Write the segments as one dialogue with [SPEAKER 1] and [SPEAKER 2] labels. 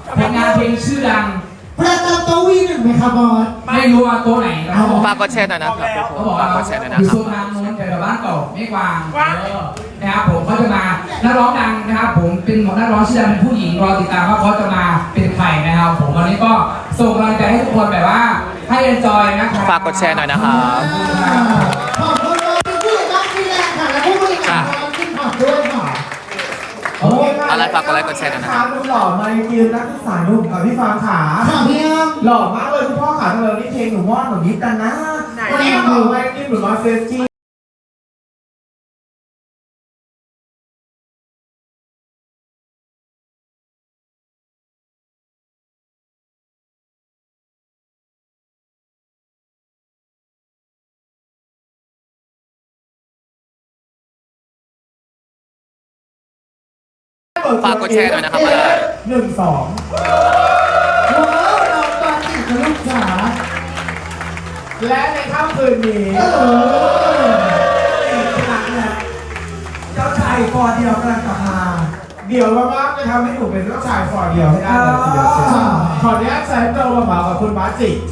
[SPEAKER 1] ผลงานเพลงชื่อดัง
[SPEAKER 2] ประจำโต๊ะวีหนึ่งไหมครับบอส
[SPEAKER 1] ไม่รู้ว่าตัวไหนนะครับ
[SPEAKER 3] ฝากกดแชร์หน่อยนะครับ
[SPEAKER 1] เขาบอกว่า
[SPEAKER 3] ฝากกดแชร์หน่อยนะ
[SPEAKER 1] อยู่
[SPEAKER 3] ครั
[SPEAKER 1] โซ
[SPEAKER 3] บ
[SPEAKER 1] นทางโน้นแต่บ้านเก่าไม่กวางนะครับผมเขาจะมานักร้องดังนะครับผมเป็นนักร้องชื่อดังเป็นผู้หญิงรอติดตามว่าเขาจะมาเป็นใครนะครับผมวันนี้ก็ส่งกำลังใจให้ทุกคนแบบว่าให้เอนจอยนะครับ
[SPEAKER 3] ฝากกดแชร์หน่อยนะครับ
[SPEAKER 2] ขอบคุณน้องผู้จัดการทีแรกค่ะและผู้บริหารของทีมขอบด้วยค่ะ
[SPEAKER 3] อะไรฝากกดไลค์กดแชร์หน่อยนะครับ
[SPEAKER 4] นุ่มหล่อมายืนนักศึกษาหนุ่มกับพี่ฟางขา
[SPEAKER 2] ค่ะพี่แอม
[SPEAKER 4] หล่อมากเลยคุณพ่อขาทำไมวันนี้เพลงหนูม่อนหนูยิบกันนะวันนี้หนูไม่ยิบหนูมาเฟสจี้
[SPEAKER 3] ฝากกดแชร์หน่อยนะครับอะไร
[SPEAKER 4] 1 2
[SPEAKER 2] ว้าวน้องปาติกับลูกจ๋า
[SPEAKER 4] และในค่ำคืนนี้อีกครั้งนะเจ้าชายฟอร์เดียวกำลังกลับมาเดี๋ยวมากๆจะทำให้หนูเป็นเจ้าชายฟอร์เดียวให้ได้เลยทีเดียวขออนุญาตใช้โปรมาเหมากับคุณบาสจิ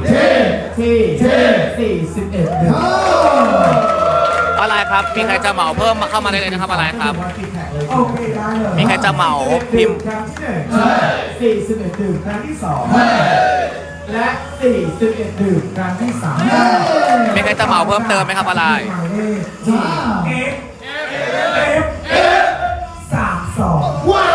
[SPEAKER 4] ที่41เดือน
[SPEAKER 3] อะไรครับ มีใครจะเหมาเพิ่มมาเข้ามาได้เลยนะครับอะไรครับ
[SPEAKER 4] โอเคได้เลย
[SPEAKER 3] มีใครจะเหมาพิมพ์
[SPEAKER 4] ครั้งที่1 41ดื่มครั้งที่2และ41ดื่มครั้งที่3
[SPEAKER 3] มีใครจะเหมาเพิ่มเติมไหมครับอะไร
[SPEAKER 4] 32ว้าว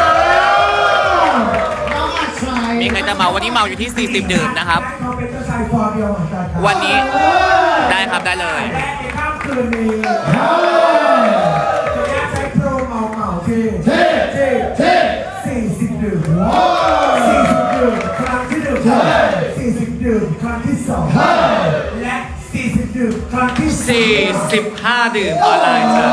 [SPEAKER 2] น้องอาชัย
[SPEAKER 3] มีใครจะเหมาวันนี้เหมาอยู่ที่ 40 ดื่มนะครับ
[SPEAKER 4] เขาเป็นเจ้าชายฟอร์เดียวเหมือนกันครับ
[SPEAKER 3] วันนี้ได้ครับได้เลย
[SPEAKER 4] และในค่ำคืนนี้จะใช้โปรเหมาที่40ดื่ม40ดื่มครั้งที่1 40ดื่มครั้งที่2และ40ดื่มครั้งที่
[SPEAKER 3] 45 ดื่มออนไลน์ครับ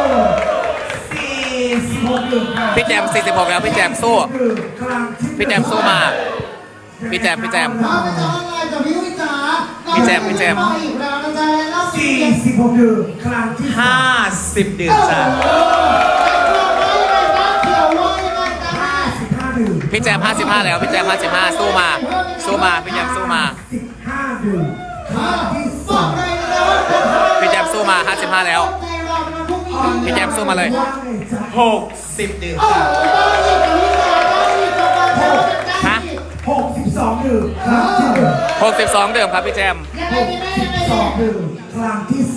[SPEAKER 4] 46ดื่มครับ
[SPEAKER 3] พี่แจม 46 แล้วพี่แจมสู้
[SPEAKER 4] ดื่มครั้งที่
[SPEAKER 3] พี่แจมสู้มา พี่แจม
[SPEAKER 2] ถ้าไปจองไลน์กับพี่วิจ๋า
[SPEAKER 3] พี่แจม
[SPEAKER 2] อีกแล้วนะจ๊ะแล้ว
[SPEAKER 4] 46ดื่มครั้งที่
[SPEAKER 3] 50 ดื่มจ้ะ
[SPEAKER 4] 55ดื่ม
[SPEAKER 3] พี่แจม 55 แล้วพี่แจม 55 สู้มา สู้มาพี่แจมสู้มา
[SPEAKER 4] 15ดื่มครั้งที่
[SPEAKER 2] บอกเลยนะว่า
[SPEAKER 3] พี่แจมสู้มา 55 แล้ว พี่แจมสู้มาเลย 60 ดื่มจ้ะฮะ
[SPEAKER 4] 62ดื่มครั้งที่
[SPEAKER 3] 62 ดื่มครับพี่แจม
[SPEAKER 4] 2ดื่มครั้งที่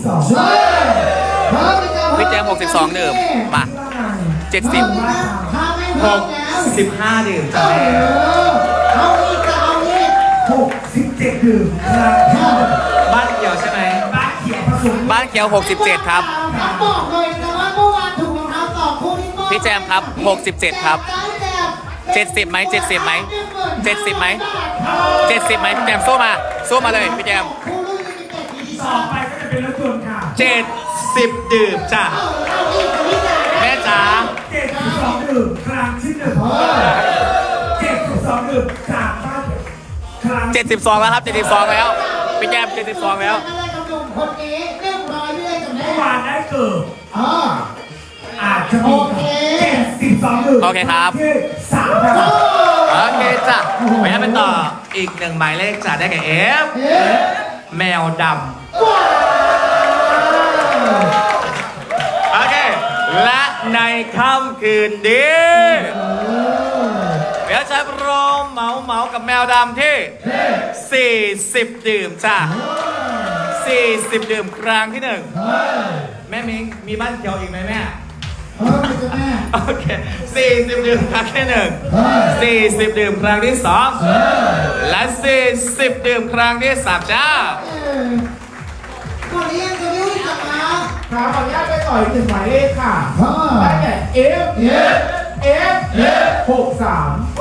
[SPEAKER 4] 2
[SPEAKER 3] พี่แจม 62 ดื่มมา 70 65 ดื่มจ้ะแม่
[SPEAKER 2] เอาอีกจะเอาอีก
[SPEAKER 4] 67ดื่มครั้งที่
[SPEAKER 3] บ้านเขียวใช่ไหม
[SPEAKER 4] บ้านเขียวผสม
[SPEAKER 3] บ้านเขียว 67 ครับ
[SPEAKER 2] บอกเลยนะว่าเมื่อวานถูกรองเท้าต่อคู่นี้
[SPEAKER 3] พี่แจมครับ 67 ครับ 70ไหม70ไหม70ไหม70ไหมพี่แจมสู้มา สู้มาเลยพี่แจม
[SPEAKER 2] คู่รุ่นลิมิเต็ดอีดิ
[SPEAKER 4] ต่
[SPEAKER 2] ชั่
[SPEAKER 4] อน ไปก็จะเป็นรถยนต์ค่ะ
[SPEAKER 3] 70 ดื่มจ้ะ
[SPEAKER 2] เอาอีกกับพี่จ๋า
[SPEAKER 3] แม่จ๋า
[SPEAKER 4] 72ดื่มครั้งที่1 72ดื่มจากบ้านครั้ง
[SPEAKER 3] 72 แล้วครับ 72 แล้ว พี่แจม 72 แล้ว
[SPEAKER 2] อะไรกับหนุ่มคนนี้เรียบร้อยพี่เลยจำได้
[SPEAKER 4] เมื่อวานได้เกิด
[SPEAKER 2] อ๋อ
[SPEAKER 4] อาจจะมี72ดื่ม
[SPEAKER 3] โอเคครับ
[SPEAKER 4] ที่3นะครับ
[SPEAKER 3] โอเคจ้ะไปไปต่ออีก1หมายเลขจ้ะได้แก่ F แมวดำโอเค และในค่ำคืนนี้เดี๋ยวจะรอเหมากับแมวดำที่ 40 ดื่มจ้ะ 40 ดื่มครั้งที่ 1 แม่มิงมีบ้านเขียวอีกไหมแม่
[SPEAKER 2] ไม่จะแม่
[SPEAKER 3] โอเค 40 ดื่มครั้งที่ 1 40 ดื่มครั้งที่ 2 และ 40 ดื่มครั้งที่ 3 จ้า
[SPEAKER 2] ก่อนนี้ยังจะไม่รู้จักนะ
[SPEAKER 4] ครับขออนุญาตไปต่ออีก1หมายเลขค่ะ
[SPEAKER 2] อ่า
[SPEAKER 4] ได้แก่ F 63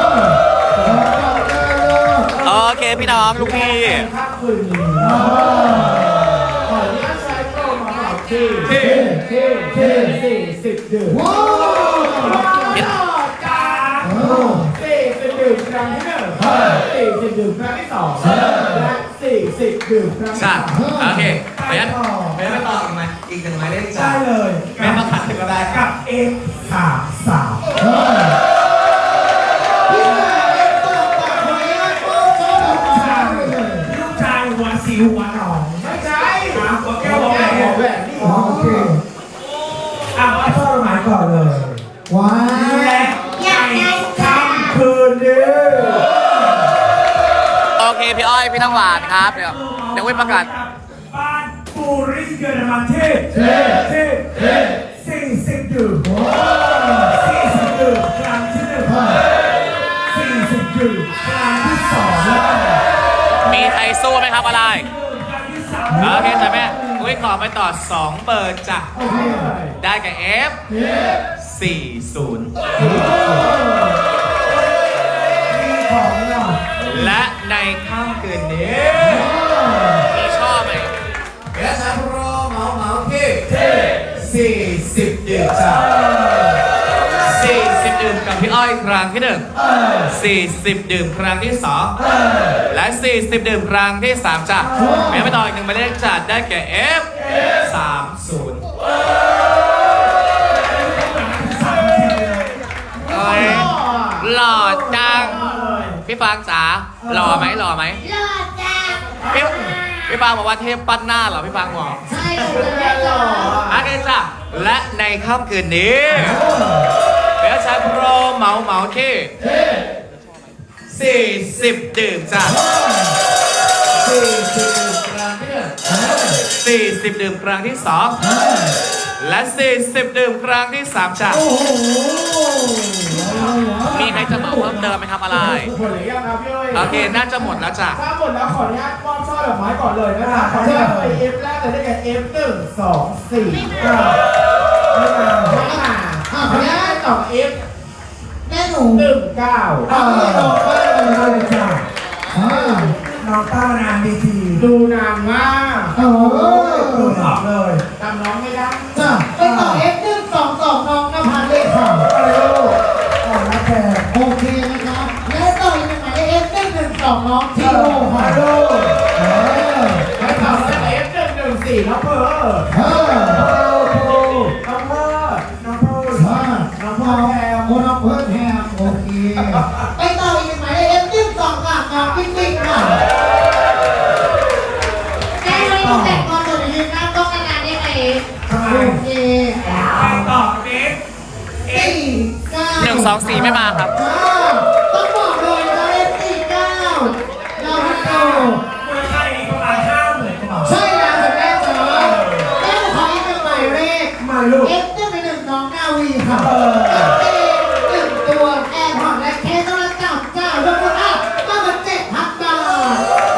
[SPEAKER 3] โอเคพี่น้องลูกพี่
[SPEAKER 4] ค่ำคืนนี้ขออนุญาตใช้โปรมาเหมาที่40ดื่ม
[SPEAKER 2] ว้าว
[SPEAKER 4] จาก40ดื่มครั้งที่1 40ดื่มครั้งที่2และ40ดื่มครั้งที่
[SPEAKER 3] จ้า
[SPEAKER 4] 3
[SPEAKER 3] โอเคไปยันไปต่ออีกหนึ่งหมายเลขจ้า
[SPEAKER 4] ได้เลย
[SPEAKER 3] แม่มาขัดถึงอะไร
[SPEAKER 4] กับ F33
[SPEAKER 2] พี่แม่
[SPEAKER 4] หัวหนองไม่ใช่หัวแก้วหัวแหวนนี่โอเคอ่ะมาชอบหมายก่อนเลย
[SPEAKER 2] ว้า
[SPEAKER 4] และ
[SPEAKER 2] อยากได้
[SPEAKER 4] ค่ำคืนนี้
[SPEAKER 3] โอเคพี่อ้อยพี่น้ำหวานครับเดี๋ยววิประกาศ
[SPEAKER 4] บ้านปูริเยอรมันเท40ดื่ม40ดื่มครั้งที่1 40ดื่มครั้งที่2แล้ว
[SPEAKER 3] มีใครสู้ไหมครับอะไร
[SPEAKER 4] ครั้งที่3
[SPEAKER 3] โอเคจ้ะแม่อุ้ยขอไปต่อ 2 เบอร์จ้ะ
[SPEAKER 4] โอเค
[SPEAKER 3] ได้กับ F 40
[SPEAKER 4] มีของเรา
[SPEAKER 3] และในค่ำคืนนี้ มีชอบไหมเอสโปรเหมาที่40 ดื่มจ้ะ40 ดื่มกับพี่อ้อยครั้งที่1 40 ดื่มครั้งที่2และ40 ดื่มครั้งที่3จ้ะแม้ไปต่ออีก1หมายเลขจัดได้แก่ F 30เอ้ยหล่อจังพี่ฟางจ๋าหล่อไหมหล่อไหม
[SPEAKER 2] เลิศจ้า
[SPEAKER 3] พี่ฟางบอกว่าเทพปั้นหน้าเหรอพี่ฟางบอก
[SPEAKER 2] ใช่เลยหล่อ
[SPEAKER 3] โอเคจ้ะและในค่ำคืนนี้เดี๋ยวใช้โปรเหมาที่40 ดื่มจ้ะ40 ดื่มครั้งที่1 40 ดื่มครั้งที่2และ40 ดื่มครั้งที่3จ้ะมีใครจะบอกเพิ่มเติมไหมครับอะไร
[SPEAKER 4] หมดหรือยังครับพี่อ้อย
[SPEAKER 3] โอเคน่าจะหมดแล้วจ้ะ
[SPEAKER 4] ถ้าหมดแล้วขออนุญาตมอบช่อดอกไม้ก่อนเลยนะครับขออนุญาตไป F แรกเลยได้แก่ F 1 2 4ไม่มาขออนุญาตตอบ F
[SPEAKER 2] แม่หนู
[SPEAKER 4] 1 9
[SPEAKER 2] เอาไม่ออกบ้านเลยจ้า
[SPEAKER 4] น้องต้านานดีทีดูนานมาก
[SPEAKER 2] โอ้
[SPEAKER 4] ดูตอบเลยจำน้องไม่ได้
[SPEAKER 2] จ้าไปต่อ F122 น้องนภัสเลยค่ะ
[SPEAKER 4] อะไรลูกอ่อนนะแก
[SPEAKER 2] โอเคนะครับและต่ออีกหนึ่งหมายเลข F112 น้องทีโร่ค่ะ
[SPEAKER 4] ฮัลโหลไปตอบแล้ว F 1 1 4น้องเพอ น้องเพิร์ดน้องเพิร์ด
[SPEAKER 2] น้องพอแฮมโอ้น้องเพิร์ดแฮมโอเคไปต่ออีกหนึ่งหมายเลข F122 ค่ะน้องปิ๊กปิ๊กค่ะได้เลยแต่ก่อนจะยืนหน้าต้องนานๆได้ไหม
[SPEAKER 4] ทำไม
[SPEAKER 2] โอเค
[SPEAKER 4] ไปตอบเอ็ก
[SPEAKER 3] 1 2 4 ไม่มาครับ
[SPEAKER 2] ต้องบอกเลยนะ F49 เราให้ดู
[SPEAKER 4] เมืองไทยประมาณ50,000กว่า
[SPEAKER 2] ใช่แล้วแต่แม่จ๋าแม่ขออีกหนึ่งหมายเลข
[SPEAKER 4] มาลูก
[SPEAKER 2] F1 น้องนาวีค่ะหนึ่งตัวแอร์พอร์ตและเคสโทรศัพท์จ้ารวมมูลค่ามากกว่า7,000 บาท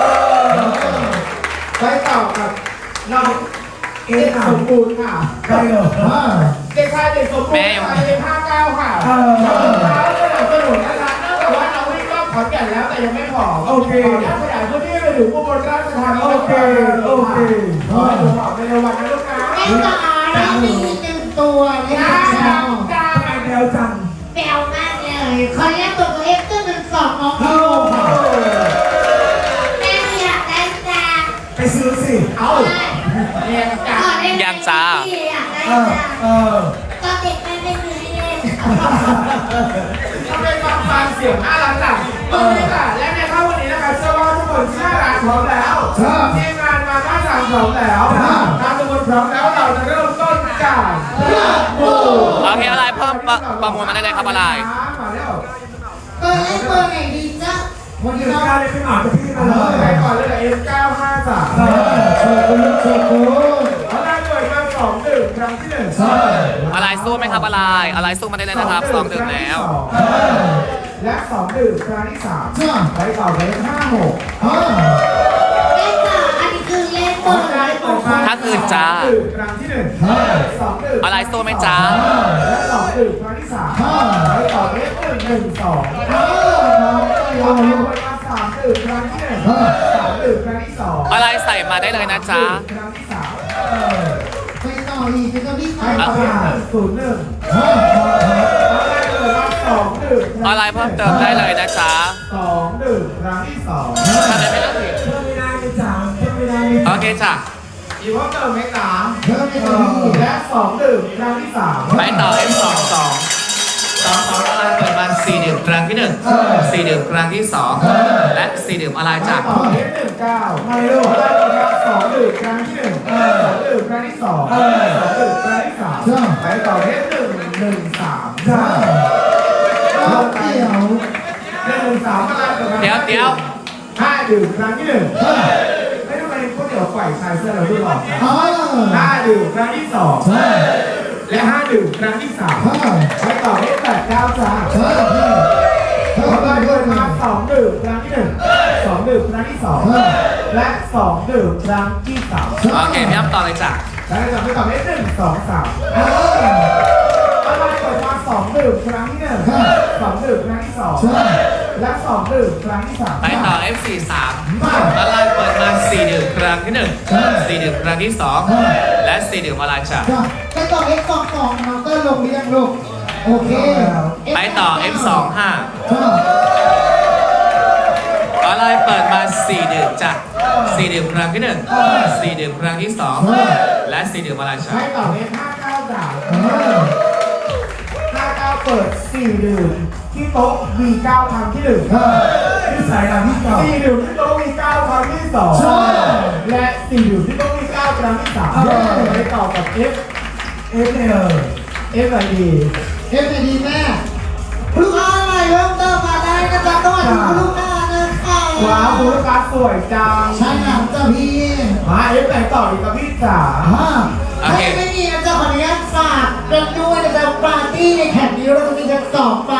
[SPEAKER 4] ไปต่อกับน้องเอ็กสมบูรณ์ค่ะใช่เหรอเด็กชายเด็กสมบูรณ์ค่ะเด็ก59ค่ะขอบคุณครับสนับสนุนนะคะเนื่องจากว่าเราวิ่งรอบขอนแก่นแล้วแต่ยังไม่พอโอเคขยายพื้นที่ไปถึงอุบลราชธานีโอเคขอให้ดูออกในวันนะลูกนะ
[SPEAKER 2] แม่จ๋าได้มีอีกหนึ่งตัวเลยค่ะ
[SPEAKER 4] จ้าทำไมแนวจัง
[SPEAKER 2] แปลวมากเลยขออนุญาตตัว F112 น้องพีโร่ค่ะแม่อยากได้จ้า
[SPEAKER 4] ไปซื้อสิ เอาเรียนจ้า
[SPEAKER 3] ยังจ้า
[SPEAKER 2] อยากได้
[SPEAKER 4] เออ
[SPEAKER 2] จ้า
[SPEAKER 4] เออ
[SPEAKER 2] ตอนเด็กไม่ได้ซื้อให้เล่น
[SPEAKER 4] ทำไมฟังเสียงน่ารักจังโอเคค่ะและในค่ำวันนี้นะคะเชื่อว่าทุกคนที่น่ารักพร้อมแล้วทีมงานมาด้านหลังพร้อมแล้วถ้าทุกคนพร้อมแล้วเราจะเริ่มต้นจากโอ้
[SPEAKER 3] โอเคอะไรเพิ่มประมูลมาได้เลยครับอะไร
[SPEAKER 4] มาแล้ว
[SPEAKER 2] เบอร์เล็กเบอร์ไหนดีจ๊ะ
[SPEAKER 4] วันนี้การเลยเป็นหมาจะพี่มาเลยไปก่อนเลยF953โชกุนโชกุนเขาได้เปิดมา2 ดื่มครั้งที่1ใช่
[SPEAKER 3] อะไรสู้ไหมครับอะไรสู้มาได้เลยนะครับ2 ดื่มแล้ว
[SPEAKER 4] และ2 ดื่มครั้งที่3
[SPEAKER 2] จ้า
[SPEAKER 4] ไปต่อเลย56
[SPEAKER 2] แม่จ๋าอันนี้คือเล่นเบอร์ไหน
[SPEAKER 3] ถ้าคืนจ้า
[SPEAKER 4] ดื่มครั้งที่1 2 ดื่ม
[SPEAKER 3] อะไรสู้ไหมจ๊ะ
[SPEAKER 4] และ2 ดื่มครั้งที่3ไปต่อเลย1 2เอาไปมา3 ดื่มครั้งที่1 3 ดื่มครั้งที่2
[SPEAKER 3] อะไรใส่มาได้เลยนะจ๊ะ
[SPEAKER 4] ครั้งที่3
[SPEAKER 2] ไปต่ออีกเป็นตัวที่
[SPEAKER 4] ไป
[SPEAKER 2] สาม
[SPEAKER 4] ต่อเลย101ได้เลยมา2 ดื่ม
[SPEAKER 3] อะไรเพิ่มเติมได้เลยนะจ๊ะ
[SPEAKER 4] 2 ดื่มครั้งที่2
[SPEAKER 3] ถ้าได้ไม่ต้องผิด
[SPEAKER 4] เพิ่มไม่ได้ไม่จ่ายเพิ่มไม่ได้ไม่
[SPEAKER 3] โอเคจ้ะ
[SPEAKER 4] อีกว่าเติมไม่ตาม
[SPEAKER 2] เพิ่มในตัวที่
[SPEAKER 4] และ2 ดื่มครั้งที่3
[SPEAKER 3] ไปต่อ F22 22อะไรเปิดมา4 ดื่มครั้งที่1 4 ดื่มครั้งที่2และ4ดื่มอะไรจ้ะ
[SPEAKER 4] ต่อเทป19ไม่รู้ว่า2ดื่มครั้งที่1 2ดื่มครั้งที่2 2ดื่มครั้งที่3ไปต่อเทป1 1 3
[SPEAKER 2] จ้าเอาเกี่ยว
[SPEAKER 4] 1 3อะไรต่อมา
[SPEAKER 3] เดี๋ยว
[SPEAKER 4] 5ดื่มครั้งที่1ไม่รู้เป็นก๋วยเตี๋ยวไก่ชายเสื้อเราด้วยหรอก
[SPEAKER 2] อ๋อ
[SPEAKER 4] 5ดื่มครั้งที่2และ5ดื่มครั้งที่3ไปต่อเทป8 9จ้าต่อไปเดินมา2ดื่มครั้งที่1 2ดื่มครั้งที่2และ2ดื่มครั้งที่3
[SPEAKER 3] โอเคพี่อ้ำต่อเลยจ้ะ
[SPEAKER 4] แล้วจะไปต่อเทป1 2 3อะไรเปิดมา2ดื่มครั้งที่1 2ดื่มครั้งที่2และ2ดื่มครั้งที่3
[SPEAKER 3] ไปต่อ F43 ละลายเปิดมา4ดื่มครั้งที่1 4ดื่มครั้งที่2และ4ดื่มอะไรจ้ะ
[SPEAKER 2] จ้าไปต่อเอ็กซ์สองน้องเตอร์ลงเรียงลูกโอเค
[SPEAKER 3] ไปต่อ F25
[SPEAKER 2] จ้า
[SPEAKER 3] อะไรเปิดมา4ดื่มจ้ะ4ดื่มครั้งที่1 4ดื่มครั้งที่2และ4ดื่มอะไรจ้ะ
[SPEAKER 4] ให้ต่อเทป59ด่า59เปิด4ดื่มที่โต๊ะ V9 ครั้งที่1ที่สายหลังที่4ดื่มที่โต๊ะ V9 ครั้งที่2และ4ดื่มที่โต๊ะ V9 ครั้งที่3ไปต่อกับ F อะไรดี
[SPEAKER 2] เอฟดีแม่ลูกค้าอะไรเริ่มเติมมาได้นะจ๊ะสวัสดีคุณลูกค้านะคะ
[SPEAKER 4] ว้าวคุณลูกค้าสวยจัง
[SPEAKER 2] ใช่ครับจ้าพี่
[SPEAKER 4] มาเอฟไหนต่ออีกกับพี่จ๋า
[SPEAKER 3] โอเค
[SPEAKER 2] ไม่มีนะจ๊ะขออนุญาตฝากกันด้วยนะจ๊ะปาร์ตี้ในแข่งนี้เราจะมีกัน2